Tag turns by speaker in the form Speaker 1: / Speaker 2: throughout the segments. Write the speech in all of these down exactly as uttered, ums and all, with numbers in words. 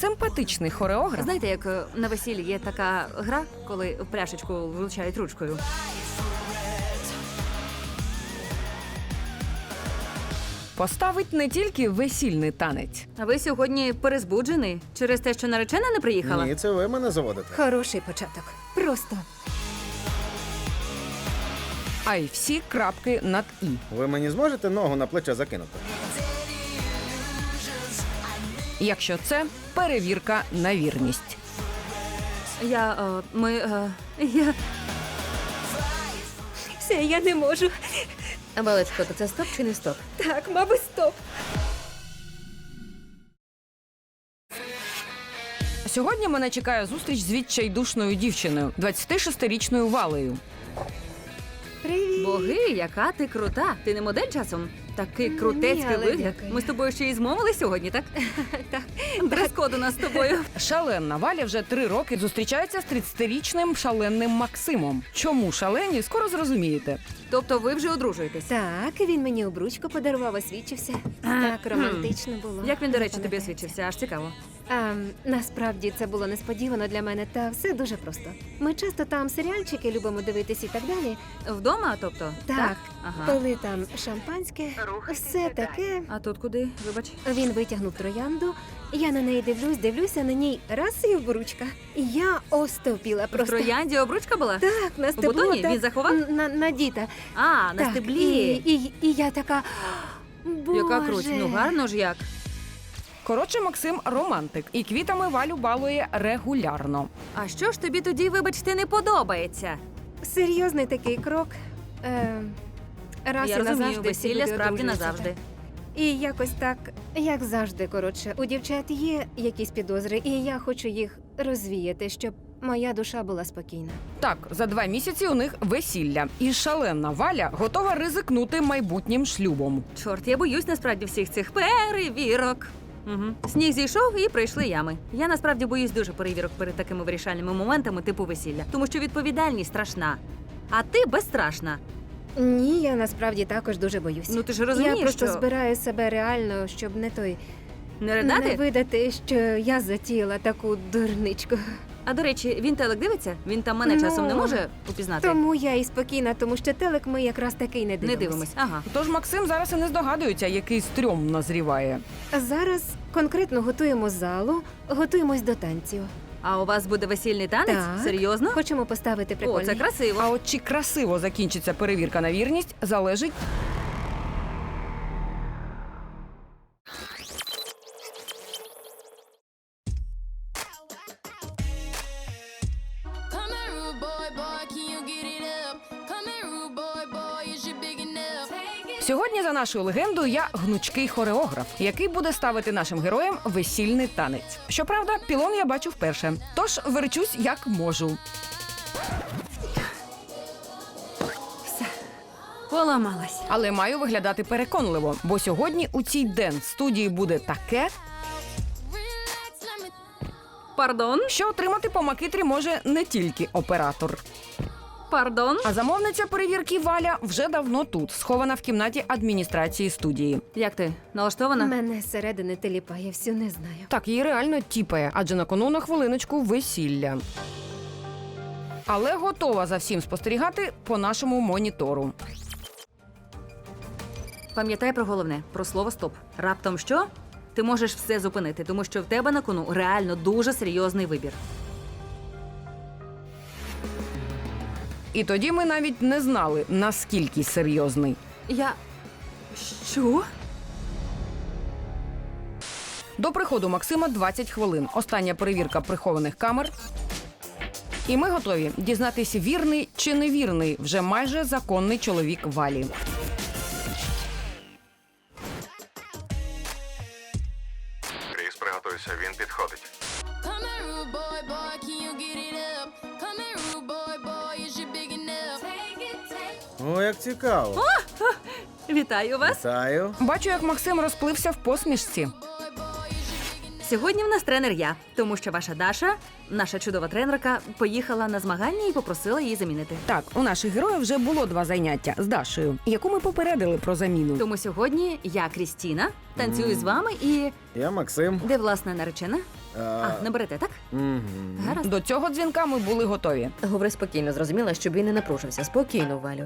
Speaker 1: Симпатичний хореограф.
Speaker 2: Знаєте, як е, на весіллі є така гра, коли в пляшечку влучають ручкою?
Speaker 1: Поставить не тільки весільний танець.
Speaker 2: А ви сьогодні перезбуджений через те, що наречена не приїхала?
Speaker 3: Ні, це ви мене заводите.
Speaker 4: Хороший початок. Просто.
Speaker 1: А й всі крапки над «і».
Speaker 3: Ви мені зможете ногу на плече закинути?
Speaker 1: Якщо це перевірка на вірність.
Speaker 2: Я, е, ми, е, я...
Speaker 4: Все, я не можу.
Speaker 2: Валечко, то це стоп чи не стоп?
Speaker 4: Так, мабуть, стоп.
Speaker 1: Сьогодні мене чекає зустріч з відчайдушною дівчиною, двадцятишестирічною Валею.
Speaker 4: Привіт.
Speaker 2: Боги, яка ти крута. Ти не модель часом? Такий
Speaker 4: Ні,
Speaker 2: крутецький
Speaker 4: але
Speaker 2: вигляд.
Speaker 4: дякую.
Speaker 2: Ми з тобою ще й змовили сьогодні, так?
Speaker 4: Так.
Speaker 2: Дрес-код у нас з тобою.
Speaker 1: Шаленна Валя вже три роки зустрічається з тридцятирічним шаленним Максимом. Чому шалені, скоро зрозумієте.
Speaker 2: Тобто ви вже одружуєтесь?
Speaker 4: Так, він мені обручку подарував, освічився. Так романтично було.
Speaker 2: Як він, до речі, тобі
Speaker 4: Пам'ятаєте?
Speaker 2: освічився? Аж цікаво.
Speaker 4: А, насправді це було несподівано для мене, та все дуже просто. Ми часто там серіальчики любимо дивитись і так далі.
Speaker 2: Вдома, тобто?
Speaker 4: Так,
Speaker 2: Ага.
Speaker 4: пили там шампанське, все таке.
Speaker 2: А тут куди? Вибач.
Speaker 4: Він витягнув троянду, я на неї дивлюсь, дивлюся на ній раз і обручка. Я остовпіла
Speaker 2: В
Speaker 4: просто.
Speaker 2: троянді обручка була?
Speaker 4: Так, на стебло.
Speaker 2: бутоні?
Speaker 4: так,
Speaker 2: Він заховав?
Speaker 4: н- На, на діта.
Speaker 2: А, на
Speaker 4: Так,
Speaker 2: стеблі.
Speaker 4: І, і, і я така. Боже.
Speaker 2: Яка круть. Ну гарно ж як.
Speaker 1: Коротше, Максим романтик і квітами Валю балує регулярно.
Speaker 2: А що ж тобі тоді, вибачте, не подобається?
Speaker 4: Серйозний такий крок. Е, раз
Speaker 2: Я
Speaker 4: і
Speaker 2: розумію,
Speaker 4: назавжди всі
Speaker 2: весілля
Speaker 4: люди
Speaker 2: справді
Speaker 4: одружуються,
Speaker 2: назавжди.
Speaker 4: так. І якось так, як завжди, коротше, у дівчат є якісь підозри, і я хочу їх розвіяти, щоб моя душа була спокійна.
Speaker 1: Так, за два місяці у них весілля. І шаленна Валя готова ризикнути майбутнім шлюбом.
Speaker 2: Чорт, я боюсь насправді всіх цих перевірок. Угу. Сніг зійшов і прийшли ями. Я насправді боюсь дуже перевірок перед такими вирішальними моментами типу весілля, тому що відповідальність страшна. А ти безстрашна.
Speaker 4: Ні, я насправді також дуже боюсь.
Speaker 2: Ну ти ж розумієш,
Speaker 4: я просто
Speaker 2: що
Speaker 4: збираю себе реально, щоб не той
Speaker 2: не ридати?
Speaker 4: не видати, що я затіяла таку дурничку.
Speaker 2: А до речі, він телек дивиться? Він там мене
Speaker 4: Ну,
Speaker 2: часом не може упізнати?
Speaker 4: Тому я і спокійна, тому що телек ми якраз такий не дивимося.
Speaker 2: Не дивимось. Ага.
Speaker 1: Тож Максим зараз і не здогадується, який стрьом назріває.
Speaker 4: Зараз конкретно готуємо залу, готуємось до танців.
Speaker 2: А у вас буде весільний танець?
Speaker 4: Так.
Speaker 2: Серйозно?
Speaker 4: Хочемо поставити
Speaker 2: О,
Speaker 4: прикольний.
Speaker 2: це красиво.
Speaker 1: А от чи красиво закінчиться перевірка на вірність, залежить
Speaker 5: Come here, rude boy, boy, can you get it up? Come here, rude boy, boy, is you big enough? Take it.
Speaker 1: Сьогодні, за нашою легендою, я гнучкий хореограф, який буде ставити нашим героям весільний танець. Щоправда, пілон я бачу вперше, тож верчусь як можу.
Speaker 2: Поламалась.
Speaker 1: Але маю виглядати переконливо, бо сьогодні у цій денс-студії буде таке,
Speaker 5: Relax, let me.
Speaker 2: Пардон?
Speaker 1: що отримати по макитрі може не тільки оператор.
Speaker 2: Пардон?
Speaker 1: А замовниця перевірки Валя вже давно тут, схована в кімнаті адміністрації студії.
Speaker 2: Як ти? Налаштована?
Speaker 4: Мене зсередини теліпає, всю не знаю.
Speaker 1: Так, її реально тіпає, адже на кону на хвилиночку весілля. Але готова за всім спостерігати по нашому монітору.
Speaker 2: Пам'ятай про головне, про слово «стоп». Раптом що? Ти можеш все зупинити, тому що в тебе на кону реально дуже серйозний вибір.
Speaker 1: І тоді ми навіть не знали, наскільки серйозний.
Speaker 2: Я... Що?
Speaker 1: До приходу Максима двадцять хвилин. Остання перевірка прихованих камер. І ми готові дізнатися, вірний чи невірний вже майже законний чоловік Валі.
Speaker 6: Кріс, приготуйся, він підходить.
Speaker 5: Come here, rude boy, boy, can you get it up? Come here, rude boy, boy, is you big enough? Take it, take
Speaker 3: О, як цікаво.
Speaker 2: Вітаю вас.
Speaker 3: Вітаю.
Speaker 1: Бачу, як Максим розплився в посмішці.
Speaker 5: boy, boy, is you big
Speaker 2: Сьогодні в нас тренер я, тому що ваша Даша, наша чудова тренерка, поїхала на змагання і попросила її замінити.
Speaker 1: Так, у наших героїв вже було два заняття з Дашею, яку ми попередили про заміну.
Speaker 2: Тому сьогодні я, Крістіна, танцюю з вами і.
Speaker 3: Я Максим.
Speaker 2: Де власне наречена?
Speaker 3: А,
Speaker 2: А, не берете, так?
Speaker 3: мгм.
Speaker 2: Гаразд.
Speaker 1: До цього дзвінка ми були готові.
Speaker 7: Говори спокійно, зрозуміла, щоб він не напружився. Спокійно, Валю.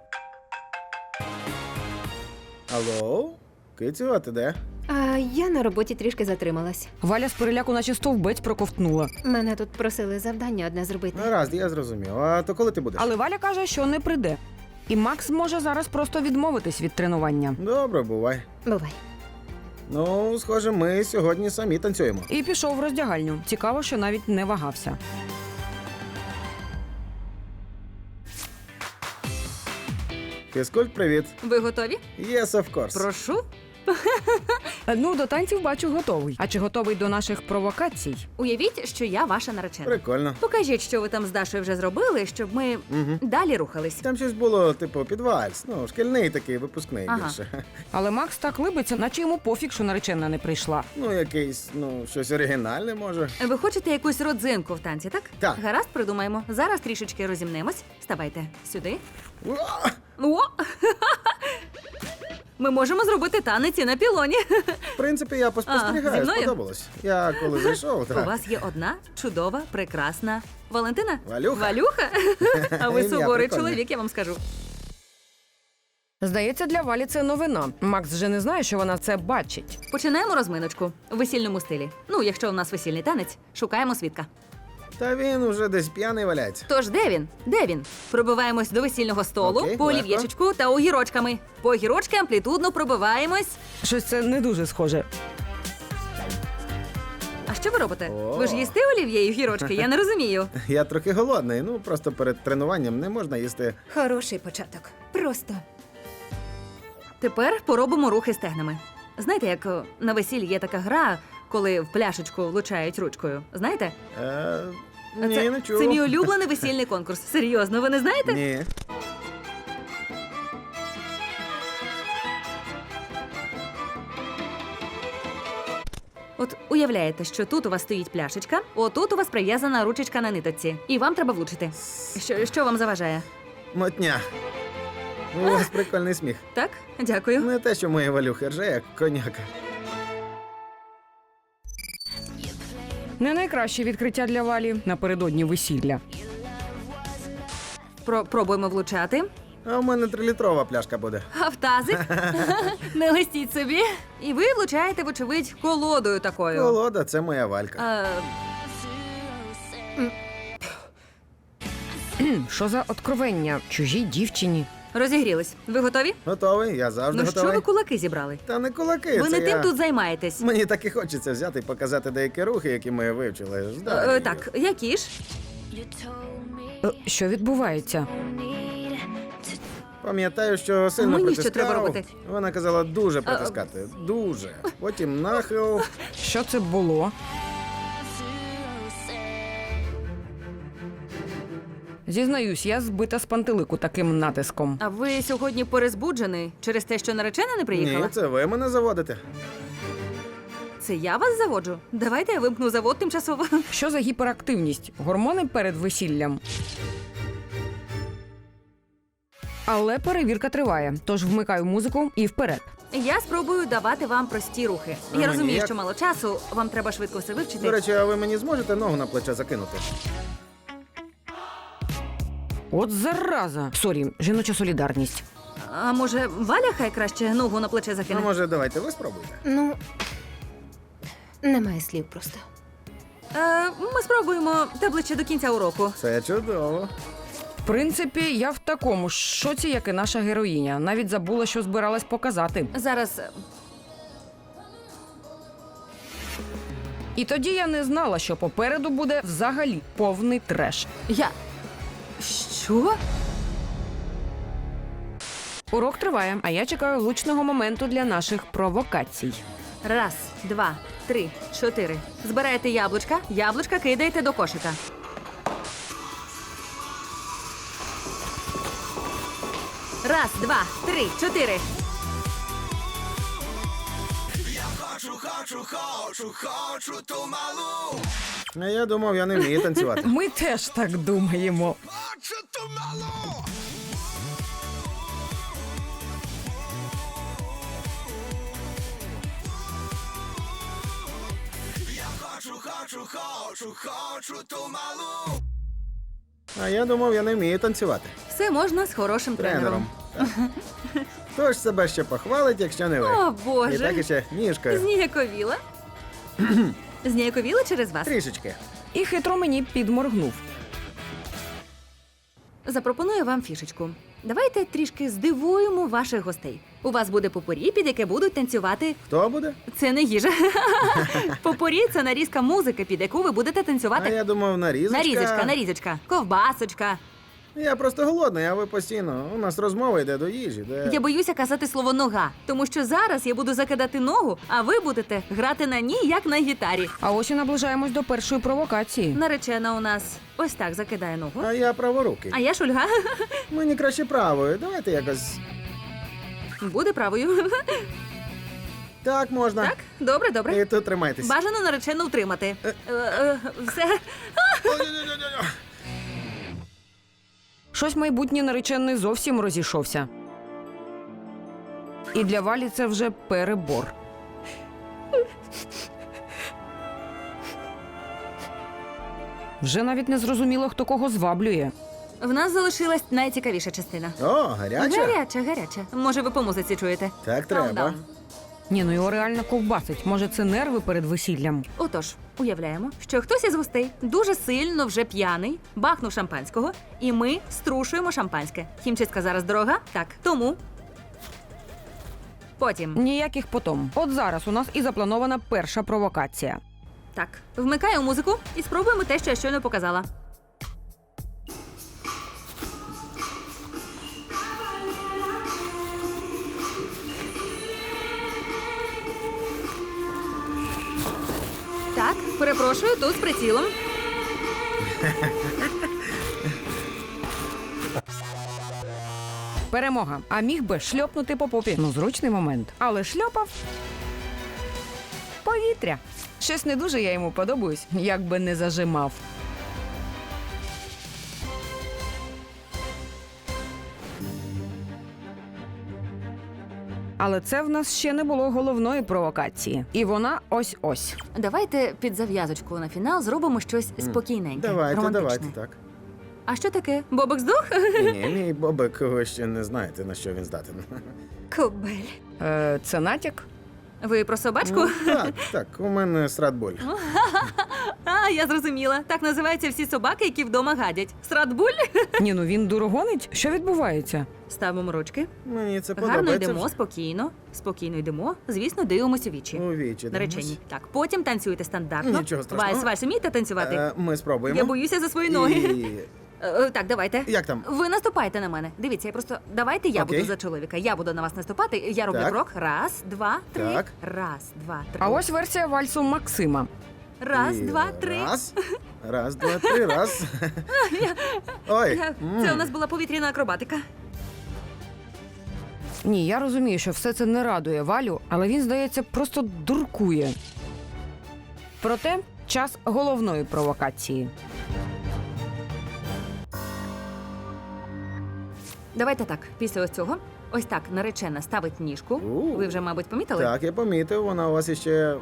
Speaker 3: Алло? Кицю, а ти де?
Speaker 4: А я на роботі трішки затрималась.
Speaker 1: Валя з переляку наче стовбець проковтнула.
Speaker 4: Мене тут просили завдання одне зробити.
Speaker 3: Гаразд, я зрозумів. А то коли ти будеш?
Speaker 1: Але Валя каже, що не прийде. І Макс може зараз просто відмовитись від тренування.
Speaker 3: Добре, бувай.
Speaker 4: Бувай.
Speaker 3: Ну, схоже, ми сьогодні самі танцюємо.
Speaker 1: І пішов в роздягальню. Цікаво, що навіть не вагався.
Speaker 3: Фізкульт, привіт.
Speaker 2: Ви готові?
Speaker 3: Yes, of course.
Speaker 2: Прошу.
Speaker 1: Ну, до танців бачу готовий. А чи готовий до наших провокацій?
Speaker 2: Уявіть, що я ваша наречена.
Speaker 3: Прикольно.
Speaker 2: Покажіть, що ви там з Дашою вже зробили, щоб ми
Speaker 3: Угу.
Speaker 2: далі рухались.
Speaker 3: Там щось було, типу, під вальс. Ну, шкільний такий, випускний
Speaker 2: Ага.
Speaker 3: більше.
Speaker 1: Але Макс так либиться, наче йому пофіг, що наречена не прийшла.
Speaker 3: Ну, якийсь, ну, щось оригінальне, може.
Speaker 2: Ви хочете якусь родзинку в танці, так?
Speaker 3: Так.
Speaker 2: Гаразд, придумаємо. Зараз трішечки розімнемось. Ставайте сюди.
Speaker 3: Уа!
Speaker 2: О! Ми можемо зробити танець і на пілоні.
Speaker 3: В принципі, я
Speaker 2: А,
Speaker 3: поспостерігаю,
Speaker 2: зі мною?
Speaker 3: сподобалось. Я коли зайшов,
Speaker 2: У
Speaker 3: так.
Speaker 2: вас є одна чудова, прекрасна Валентина?
Speaker 3: Валюха.
Speaker 2: Валюха? А ви
Speaker 3: Ім'я
Speaker 2: суворий
Speaker 3: прикольне.
Speaker 2: чоловік, я вам скажу.
Speaker 1: Здається, для Валі це новина. Макс вже не знає, що вона це бачить.
Speaker 2: Починаємо розминочку в весільному стилі. Ну, якщо у нас весільний танець, шукаємо свідка.
Speaker 3: Та він уже десь п'яний валяється.
Speaker 2: Тож де він? Де він? Пробиваємось до весільного столу,
Speaker 3: Окей,
Speaker 2: по
Speaker 3: легко.
Speaker 2: олів'єчечку та огірочками. По огірочки амплітудно пробиваємось.
Speaker 1: Щось це не дуже схоже.
Speaker 2: А що ви робите?
Speaker 3: О.
Speaker 2: Ви ж їсте олів'є і огірочки? Я не розумію.
Speaker 3: Я трохи голодний, ну просто перед тренуванням не можна їсти.
Speaker 4: Хороший початок. Просто.
Speaker 2: Тепер поробимо рухи стегнами. Знаєте, як о, на весіллі є така гра, коли в пляшечку влучають ручкою. Знаєте?
Speaker 3: Е, ні,
Speaker 2: це,
Speaker 3: не чув.
Speaker 2: це мій улюблений весільний конкурс. Серйозно, ви не знаєте?
Speaker 3: Ні.
Speaker 2: От уявляєте, що тут у вас стоїть пляшечка, отут у вас прив'язана ручечка на ниточці, і вам треба влучити. Що, що вам заважає?
Speaker 3: Мотня. У вас прикольний сміх.
Speaker 2: Так? Дякую.
Speaker 3: Не те, що мої валюхи рже, як коняка.
Speaker 1: Не найкраще відкриття для Валі напередодні весілля.
Speaker 2: Про, пробуємо влучати.
Speaker 3: А в мене трилітрова пляшка буде.
Speaker 2: А в тазик? Не листіть собі. І ви влучаєте, вочевидь, колодою такою.
Speaker 3: Колода, це моя валька.
Speaker 2: А,
Speaker 1: Кхм, що за откровення чужій дівчині?
Speaker 2: розігрілись. Ви готові?
Speaker 3: Готовий, я завжди
Speaker 2: Ну що
Speaker 3: готовий.
Speaker 2: ви кулаки зібрали?
Speaker 3: Та не кулаки,
Speaker 2: Ви
Speaker 3: це
Speaker 2: не
Speaker 3: я...
Speaker 2: тим тут займаєтесь.
Speaker 3: Мені так і хочеться взяти і показати деякі рухи, які ми вивчили. з
Speaker 2: Е,
Speaker 3: Дар'єю.
Speaker 2: так, які ж?
Speaker 1: Е, Що відбувається?
Speaker 3: Пам'ятаю, що сильно
Speaker 2: Мені що
Speaker 3: притискав.
Speaker 2: треба робити?
Speaker 3: Вона казала дуже притискати. Дуже. Потім нахил.
Speaker 1: Що це було? Зізнаюсь, я збита з пантелику таким натиском.
Speaker 2: А ви сьогодні перезбуджений через те, що наречена не приїхала?
Speaker 3: Ні, це ви мене заводите.
Speaker 2: Це я вас заводжу? Давайте я вимкну завод тимчасово.
Speaker 1: Що за гіперактивність? Гормони перед весіллям? Але перевірка триває, тож вмикаю музику і вперед.
Speaker 2: Я спробую давати вам прості рухи.
Speaker 3: А
Speaker 2: Я
Speaker 3: мені
Speaker 2: розумію,
Speaker 3: як?
Speaker 2: що мало часу, вам треба швидко все вивчити.
Speaker 3: До речі, а ви мені зможете ногу на плече закинути?
Speaker 1: От зараза! Сорі, жіноча солідарність.
Speaker 2: А може, Валя хай краще ногу на плече
Speaker 3: А
Speaker 2: закине?
Speaker 3: може, давайте ви спробуйте?
Speaker 4: Ну, немає слів просто.
Speaker 2: Е, ми спробуємо та ближче до кінця уроку.
Speaker 3: Це чудово.
Speaker 1: В принципі, я в такому ж шоці, як і наша героїня. Навіть забула, що збиралась показати.
Speaker 2: Зараз е,
Speaker 1: І тоді я не знала, що попереду буде взагалі повний треш.
Speaker 2: я. Що?
Speaker 1: Урок триває, а я чекаю влучного моменту для наших провокацій.
Speaker 2: Раз, два, три, чотири. Збираєте яблучка, яблучка кидаєте до кошика. Раз, два, три, чотири.
Speaker 3: А я думав, я не вмію танцювати.
Speaker 1: Ми теж так думаємо.
Speaker 3: А я думав, я не вмію танцювати.
Speaker 2: Все можна з хорошим тренером.
Speaker 3: Тренером. Так. Хто ж себе ще похвалить, якщо не ви?
Speaker 2: О,
Speaker 3: І
Speaker 2: Боже.
Speaker 3: так іще ніжкою.
Speaker 2: Зніяковіла. Зніяковіла через вас.
Speaker 3: Трішечки.
Speaker 1: І хитро мені підморгнув.
Speaker 2: Запропоную вам фішечку. Давайте трішки здивуємо ваших гостей. У вас буде попорі, під яке будуть танцювати.
Speaker 3: Хто буде?
Speaker 2: Це не їжа. Попорі це нарізка музики, під яку ви будете
Speaker 3: А
Speaker 2: танцювати.
Speaker 3: я думав, нарізочка.
Speaker 2: Нарізочка, нарізочка, ковбасочка.
Speaker 3: Я просто голодний, а ви постійно. У нас розмова йде до їжі. Де...
Speaker 2: Я боюся казати слово нога, тому що зараз я буду закидати ногу, а ви будете грати на ній, як на гітарі.
Speaker 1: А ось і наближаємось до першої провокації.
Speaker 2: Наречена у нас ось так закидає ногу.
Speaker 3: А я праворукий.
Speaker 2: А я шульга.
Speaker 3: Мені краще правою. Давайте якось.
Speaker 2: Буде правою.
Speaker 3: Так можна.
Speaker 2: Так, добре, добре.
Speaker 3: І тут тримайтесь.
Speaker 2: Бажано наречену утримати. Е, е, Все.
Speaker 3: Ой-ой-ой-ой-ой.
Speaker 1: Щось майбутній наречений зовсім розійшовся. І для Валі це вже перебор. Вже навіть не зрозуміло, хто кого зваблює.
Speaker 2: В нас залишилась найцікавіша частина.
Speaker 3: О, гаряча?
Speaker 2: Гаряча, гаряча. Може, ви по музиці чуєте?
Speaker 3: Так треба.
Speaker 2: Countdown.
Speaker 1: Ні, ну його реально ковбасить. Може, це нерви перед весіллям?
Speaker 2: Отож, уявляємо, що хтось із гостей дуже сильно вже п'яний, бахнув шампанського, і ми струшуємо шампанське. Хімчистка зараз дорога? Так. Тому. Потім.
Speaker 1: Ніяких потом. От зараз у нас і запланована перша провокація.
Speaker 2: Так. Вмикаю музику і спробуємо те, що я щойно показала. Так, перепрошую, тут з прицілом.
Speaker 1: Перемога. А міг би шльопнути по попі. Ну, зручний момент. Але шльопав повітря. Щось не дуже я йому подобаюсь, як би не зажимав. Але це в нас ще не було головної провокації. І вона ось-ось.
Speaker 2: Давайте під зав'язочку на фінал зробимо щось спокійненьке,
Speaker 3: Давайте,
Speaker 2: романтичне.
Speaker 3: давайте, так.
Speaker 2: А що таке? Бобик здох?
Speaker 3: Ні, мій бобик, ви ще не знаєте, на що він здатен.
Speaker 2: Кобель.
Speaker 1: Е, це натяк?
Speaker 2: Ви про собачку?
Speaker 3: Ну, так, так, у мене стратболь.
Speaker 2: А, я зрозуміла. Так називаються всі собаки, які вдома гадять. Стратбуль?
Speaker 1: Ні, ну він дурогонить. Що відбувається?
Speaker 2: Ставимо ручки.
Speaker 3: Мені це
Speaker 2: Гарно
Speaker 3: подобається.
Speaker 2: йдемо, спокійно. Спокійно йдемо. Звісно, дивимося у вічі.
Speaker 3: У вічі.
Speaker 2: Наречені. Так, потім танцюйте стандартно.
Speaker 3: Нічого страшного.
Speaker 2: Вальс, вальс, вмієте танцювати?
Speaker 3: Е, Ми спробуємо.
Speaker 2: Я боюся за свої ноги.
Speaker 3: І...
Speaker 2: Е, е, Так, давайте.
Speaker 3: Як там?
Speaker 2: Ви наступайте на мене. Дивіться, я просто давайте я
Speaker 3: Окей.
Speaker 2: буду за чоловіка. Я буду на вас наступати. Я роблю
Speaker 3: Так.
Speaker 2: крок. Раз, два, три.
Speaker 3: Так.
Speaker 2: Раз, два, три.
Speaker 1: А ось версія вальсу Максима.
Speaker 2: Раз,
Speaker 3: І
Speaker 2: два, три.
Speaker 3: Раз, раз, два, три, раз. Ой.
Speaker 2: Я-
Speaker 3: м.
Speaker 2: Це у нас була повітряна акробатика.
Speaker 1: Ні, я розумію, що все це не радує Валю, але він, здається, просто дуркує. Проте час головної провокації.
Speaker 2: Давайте так, після ось цього. Ось так наречена ставить ніжку.
Speaker 3: У.
Speaker 2: Ви вже, мабуть, помітили?
Speaker 3: Так, я помітив, вона у вас іще.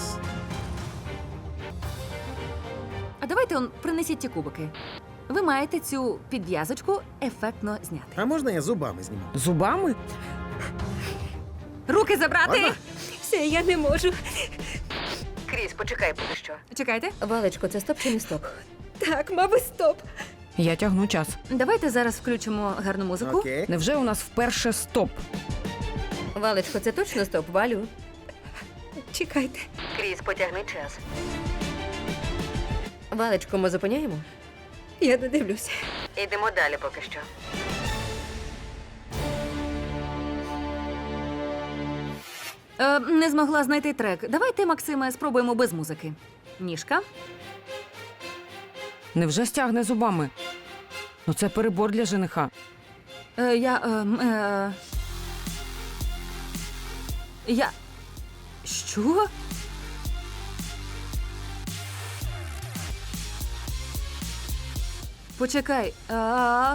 Speaker 2: А давайте он принесіть ті кубики. Ви маєте цю підв'язочку ефектно зняти.
Speaker 3: А можна я зубами зніму?
Speaker 1: Зубами?
Speaker 2: Руки забрати!
Speaker 3: Можна?
Speaker 2: Все, я не можу.
Speaker 7: Кріс, почекай поки що.
Speaker 2: Чекайте.
Speaker 7: Валечко, це стоп чи не стоп?
Speaker 2: Так, мабуть, стоп.
Speaker 1: Я тягну час.
Speaker 2: Давайте зараз включимо гарну музику.
Speaker 3: Окей.
Speaker 1: Невже у нас вперше стоп?
Speaker 7: Валечко, це точно стоп, Валю?
Speaker 2: Чекайте.
Speaker 7: Кріс, потягни час. Валечко, ми зупиняємо?
Speaker 2: Я не дивлюся.
Speaker 7: Йдемо далі поки що.
Speaker 2: Е, не змогла знайти трек. Давайте, Максиме, спробуємо без музики. Ніжка.
Speaker 1: Невже стягне зубами? Ну це перебор для жениха.
Speaker 2: Е, я. Е, м, е... Я. Що? почекай. А...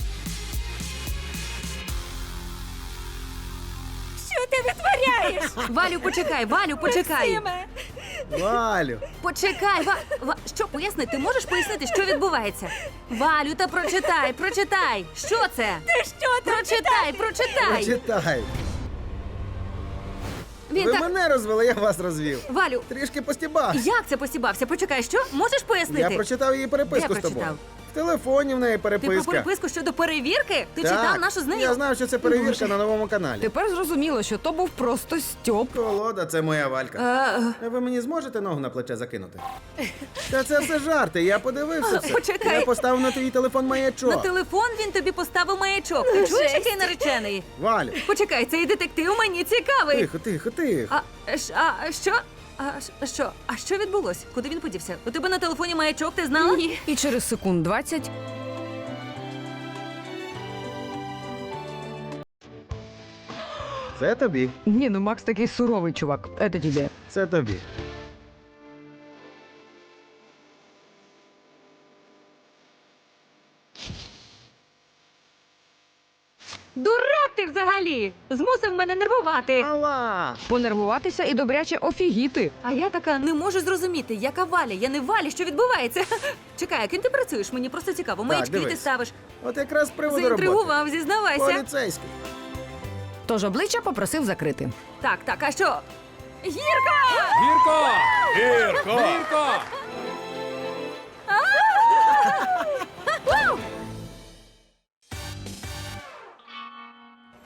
Speaker 4: Що ти витворяєш?
Speaker 2: Валю, почекай, Валю, почекай.
Speaker 3: Валю,
Speaker 2: Почекай, Ва... Ва... Що, поясни, ти можеш пояснити, що відбувається? Валю, та прочитай, прочитай. Що це?
Speaker 4: Ти що там
Speaker 2: Прочитай, прочитай.
Speaker 3: прочитай.
Speaker 2: Він
Speaker 3: Ви
Speaker 2: так...
Speaker 3: мене розвели, я вас розвів.
Speaker 2: Валю,
Speaker 3: Трішки постібався.
Speaker 2: як це постібався? Почекай, що? Можеш пояснити?
Speaker 3: Я прочитав її переписку
Speaker 2: Де
Speaker 3: з тобою.
Speaker 2: прочитав?
Speaker 3: В телефоні в неї
Speaker 2: Ти про
Speaker 3: переписка.
Speaker 2: переписку щодо перевірки? Ти
Speaker 3: Так.
Speaker 2: читав нашу з нею?
Speaker 3: Я знав, що це перевірка
Speaker 1: Боже.
Speaker 3: на новому каналі.
Speaker 1: Тепер зрозуміло, що то був просто стьоп.
Speaker 3: Колода, це моя Валька.
Speaker 2: А,
Speaker 3: А ви мені зможете ногу на плече закинути? Та це все жарти, я подивився все.
Speaker 2: Почекай.
Speaker 3: Я поставив на твій телефон
Speaker 2: на
Speaker 3: маячок.
Speaker 2: телефон він тобі поставив маячок. Ти чуєш, який наречений?
Speaker 3: Валю,
Speaker 2: Почекай, цей детектив мені цікавий.
Speaker 3: тихо, тихо, тихо.
Speaker 2: А, ш- а що? А ш- що? А що відбулось? Куди він подівся? У тебе на телефоні маячок, ти знала? Ні.
Speaker 1: І через секунд двадцять
Speaker 3: Це тобі,
Speaker 1: ні, ну Макс такий суровий чувак. Це тобі.
Speaker 3: це тобі.
Speaker 2: Дурак ти взагалі! Змусив мене нервувати.
Speaker 3: Алла!
Speaker 1: Понервуватися і добряче офігіти.
Speaker 2: А я така не можу зрозуміти, яка Валя, я не Валя, що відбувається. Чекай, а ким ти працюєш? Мені просто цікаво. Маячки ти
Speaker 3: дивись.
Speaker 2: ставиш.
Speaker 3: От якраз з приводу роботи.
Speaker 2: Заінтригував, зізнавайся.
Speaker 3: Поліцейський.
Speaker 1: Тож обличчя попросив закрити.
Speaker 2: Так, так, а що? Гірка!
Speaker 8: Гірко! Гірко! Гірко!